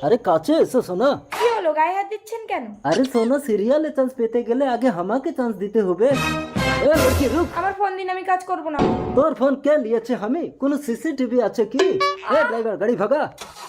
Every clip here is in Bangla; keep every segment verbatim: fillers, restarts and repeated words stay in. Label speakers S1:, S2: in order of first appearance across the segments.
S1: আরে কাছে এসো সোনা।
S2: কি হলো, গায়ে হাত দিচ্ছেন কেন?
S1: আরে সোনা, সিরিয়ালে চান্স পেতে গেলে আগে আমাকে চান্স দিতে হবে। এ লড়কি রুক।
S2: আমার ফোন দিন, আমি কাজ করব না।
S1: তোর ফোন কে লিয়েছে? আমি কোনো সিসিটিভি আছে কি? এ ড্রাইভার, গাড়ি ভাগা।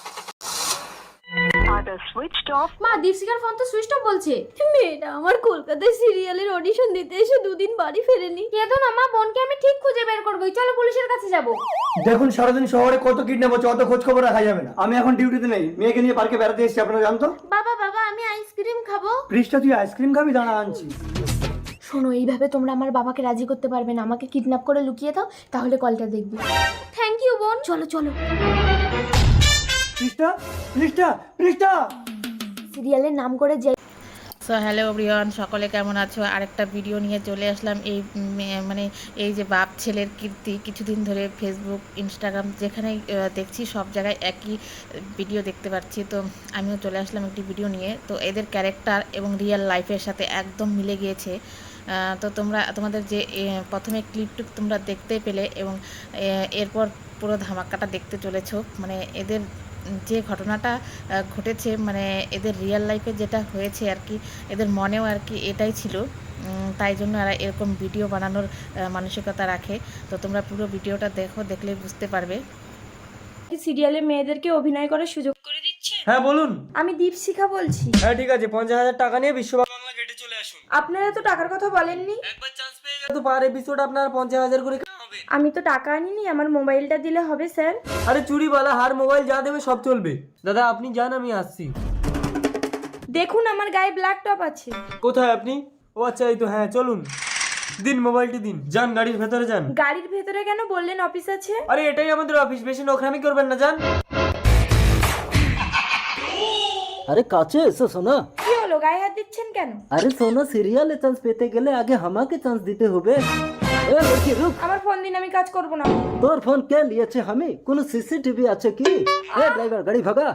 S3: মা, দীপশিকার ফোন তো সুইচ অফ বলছে। মেয়েটা আমার কলকাতায় সিরিয়ালের অডিশন দিতে এসে দুদিন বাড়ি ফেরেনি। কেঁদো না মা, বোনকে আমি ঠিক খুঁজে বের করবো। চলো পুলিশের কাছে যাব।
S4: দেখুন, সারাদিন শহরে কত কিডন্যাপ হচ্ছে, অত খোঁজ খবর রাখা যাবে না। আমি এখন ডিউটিতে নেই, মেয়েকে নিয়ে পার্কে বেড়াতে এসেছি, আপনারা জানতো।
S3: বাবা বাবা, আমি আইসক্রিম খাবো।
S4: পৃষ্ঠা, তুই আইসক্রিম খাবি? দাঁড়া আনছি।
S3: শোনো, এইভাবে তোমরা আমার বাবাকে রাজি করতে পারবে না। আমাকে কিডন্যাপ করে লুকিয়ে দাও, তাহলে কলটা দেখবি। থ্যাংক ইউ বোন। চলো চলো।
S4: পৃষ্ঠা, পৃষ্ঠা, পৃষ্ঠা।
S3: সিরিয়ালের নাম করে যে
S5: সো হ্যালো এভরিওয়ান, সকলে কেমন আছো? আরেকটা ভিডিও নিয়ে চলে আসলাম। এই মে- মানে এই যে বাপ ছেলের কীর্তি, কিছুদিন ধরে ফেসবুক, ইনস্টাগ্রাম যেখানে দেখছি সব জায়গায় একই ভিডিও দেখতে পাচ্ছি। তো আমিও চলে আসলাম একটি ভিডিও নিয়ে। তো এদের ক্যারেক্টার এবং রিয়েল লাইফের সাথে একদম মিলে গিয়েছে। আহ, তো তোমরা তোমাদের যে এ, প্রথমে ক্লিপটুক তোমরা দেখতে পেলে এবং এ, এরপর পুরো ধামাকাটা দেখতে চলেছো। মানে এদের যে ঘটনাটা আহ, ঘটেছে, মানে এদের রিয়েল লাইফে যেটা হয়েছে আর কি, এদের মনেও আর কি এটাই ছিল। উম, তাই জন্য এরা এরকম ভিডিও বানানোর আহ, মানসিকতা রাখে। তো তোমরা পুরো ভিডিওটা দেখো, দেখলে বুঝতে পারবে।
S2: সিরিয়ালে মেয়েদেরকে অভিনয় করার সুযোগ করে দিচ্ছে।
S4: হ্যাঁ বলুন।
S2: আমি দীপশিখা বলছি।
S4: হ্যাঁ ঠিক আছে, পঞ্চাশ হাজার টাকা নিয়ে বিশ্ব বাংলা গেটে চলে আসুন।
S2: আপনারা তো টাকার কথা বলেননি।
S4: একবার চান্স পেয়ে গেলে তো পার এপিসোড আপনার পঞ্চাশ হাজার করে হবে।
S2: আমি তো টাকা আনিনি, আমার মোবাইলটা দিলে হবে স্যার।
S4: আরে চুরিওয়ালা হার মোবাইল যা দেবে সব চলবে। দাদা আপনি যান, আমি আসছি।
S2: দেখুন, আমার গায়ে ব্ল্যাক টপ আছে।
S4: কোথায় আপনি? ও আচ্ছা, এই তো। হ্যাঁ চলুন, দিন মোবাইলটি দিন। যান, গাড়ির ভেতরে যান।
S2: গাড়ির ভেতরে কেন? বললেন অফিস আছে।
S4: আরে এটাই আমাদের অফিস, বেশি নোখরামি করবেন না, যান।
S1: আরে কাছে এসো সোনা।
S2: কি হলো, গায়ে হাত দিচ্ছেন কেন?
S1: আরে সোনা, সিরিয়ালে চান্স পেতে গেলে আগে আমাকে চান্স দিতে হবে। এ লড়কি রুক।
S2: আমার ফোন দিন, আমি কাজ করব না।
S1: তোর ফোন কে লিয়েছে? আমি কোনো সিসিটিভি আছে কি? এ ড্রাইভার, গাড়ি ভাগা।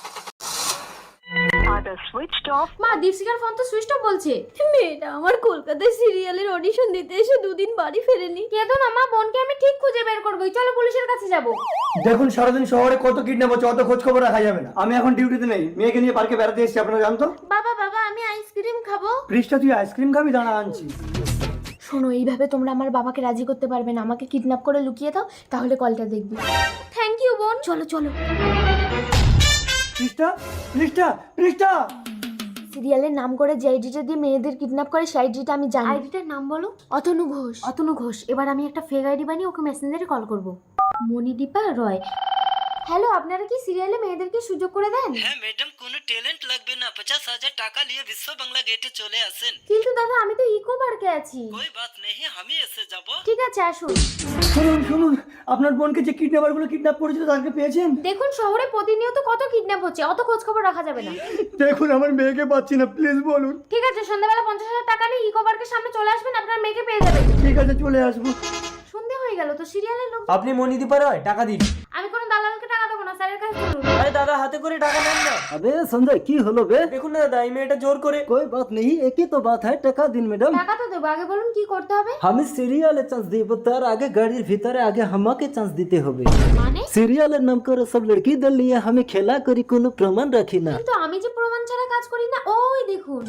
S3: মা, দীপশিকার ফোন তো সুইচ অফ বলছে। মেয়েটা আমার কলকাতায় সিরিয়ালের অডিশন দিতে এসে দুদিন বাড়ি ফেরেনি। কেঁদো না মা, বোনকে আমি ঠিক খুঁজে বের করবো। চলো পুলিশের কাছে যাব।
S4: দেখুন, সারাদিন শহরে কত কিডন্যাপ হচ্ছে, অত খোঁজ খবর রাখা যাবে না। আমি এখন ডিউটিতে নেই, মেয়েকে নিয়ে পার্কে বেড়াতে এসেছি, আপনারা জানতো।
S3: বাবা বাবা, আমি আইসক্রিম খাবো।
S4: পৃষ্ঠা, তুই আইসক্রিম খাবি? দাঁড়া আনছি।
S3: শোনো, এইভাবে তোমরা আমার বাবাকে রাজি করতে পারবে না। আমাকে কিডন্যাপ করে লুকিয়ে দাও, তাহলে কলটা দেখবি। থ্যাংক ইউ বোন। চলো চলো।
S4: পৃষ্ঠা, পৃষ্ঠা, পৃষ্ঠা।
S3: সিরিয়ালের নাম করে যে আইডিটা দিয়ে মেয়েদের কিডন্যাপ করে সেই আইডিটা আমি জানি। আইডিটার নাম বলো। অতনু ঘোষ। অতনু ঘোষ। এবার আমি একটা ফেক আইডি বানিয়ে ওকে মেসেঞ্জারে কল করব। মণিদীপা রয়। হ্যালো, আপনারা কি সিরিয়ালে মেয়েদেরকে সুযোগ করে দেন?
S6: হ্যাঁ ম্যাডাম, কোনো ট্যালেন্ট লাগবে না, পঞ্চাশ হাজার টাকা নিয়ে বিশ্ব বাংলা গেটে চলে আসেন।
S3: কিন্তু দাদা, আমি তো ইকো পার্কে আছি।
S6: কোই বাত নেই, আমি এসে যাব।
S3: ঠিক আছে, আসুন।
S4: শুনুন শুনুন, আপনার বোনকে যে কিডন্যাপার গুলো কিডন্যাপ করেছিল তাকে পেয়েছেন?
S3: দেখুন, শহরে প্রতিনিয়ত কত কিডন্যাপ হচ্ছে, অত খোঁজ খবর রাখা যাবে না।
S4: দেখুন, আমার মেয়েকে পাচ্ছি না, প্লিজ বলুন।
S3: ঠিক আছে, সন্ধ্যাবেলা পঞ্চাশ হাজার টাকা নিয়ে ইকো পার্কের সামনে চলে আসবেন, আপনার মেয়েকে পেয়ে যাবেন।
S4: ঠিক আছে, চলে আসবো।
S3: সন্ধে হয়ে গেল তো, সিরিয়ালের লোক।
S4: আপনি মণিদীপা রয়, টাকা দিন।
S3: আমি কোনো দালালকে টাকা দেবো না, স্যারের কাছে চলুন।
S4: আরে দাদা, হাতে করে টাকা নেন না।
S1: अबे संजय, की হলো বে?
S4: দেখুন না দাদা, এই মেয়েটা জোর করে।
S1: कोई बात नहीं, एक ही तो बात है, টাকা দিন ম্যাডাম।
S3: টাকা তো দেবো, আগে বলুন কি করতে হবে।
S1: আমি সিরিয়ালে চান্স দিব, তার আগে গাড়ির ভিতরে আগে আমাকে চান্স দিতে হবে।
S3: মানে?
S1: সিরিয়ালের নাম করে সব লড়কিদের নিয়ে আমি খেলা করি, কোনো প্রমাণ রাখি না।
S3: কিন্তু আমি যে প্রমাণ ছাড়া কাজ করি না। ওই দেখুন।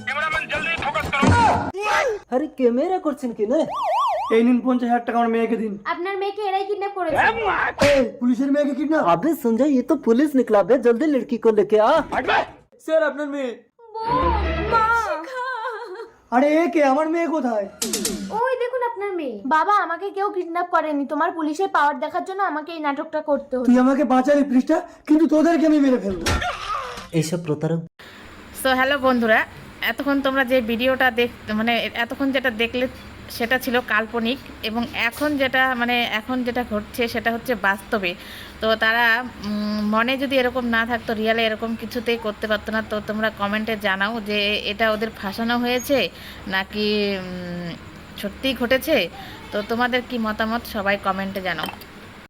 S1: আরে ক্যামেরা করছেন কি না?
S4: এই নিন পঞ্চাশ হাজার টাকা, আমার মেয়েকে দিন।
S3: আপনার মেয়েকে এরাই কিডন্যাপ করেছে।
S4: এই, পুলিশের মেয়েকে কিডন্যাপ?
S1: अबे संजय, ये तो पुलिस निकला बे, जल्दी लड़की को लेके आ।
S4: স্যার, আপনার মেয়ে।
S3: মা।
S4: আরে এ কে? আমার মেয়ে কোথায়?
S3: ওই দেখুন আপনার মেয়ে। বাবা, আমাকে কেউ কিডন্যাপ করেনি, তোমার পুলিশের পাওয়ার দেখার জন্য আমাকে এই নাটকটা করতে হলো।
S4: তুই আমাকে বাঁচালি পৃষ্ঠা, কিন্তু তোদেরকে আমি মেরে ফেলবো।
S1: এইসব প্রতারক।
S5: সো হ্যালো বন্ধুরা, এতক্ষণ তোমরা যে ভিডিওটা দেখ মানে এতক্ষণ যেটা দেখলে সেটা ছিল কাল্পনিক, এবং এখন যেটা মানে এখন যেটা ঘটছে সেটা হচ্ছে বাস্তবে। তো তারা উম, মনে যদি এরকম না থাকতো, রিয়ালে এরকম কিছুতেই করতে পারতো না। তো তোমরা কমেন্টে জানাও যে এটা ওদের ফাঁসানো হয়েছে নাকি উম, সত্যিই ঘটেছে। তো তোমাদের কি মতামত সবাই কমেন্টে জানাও।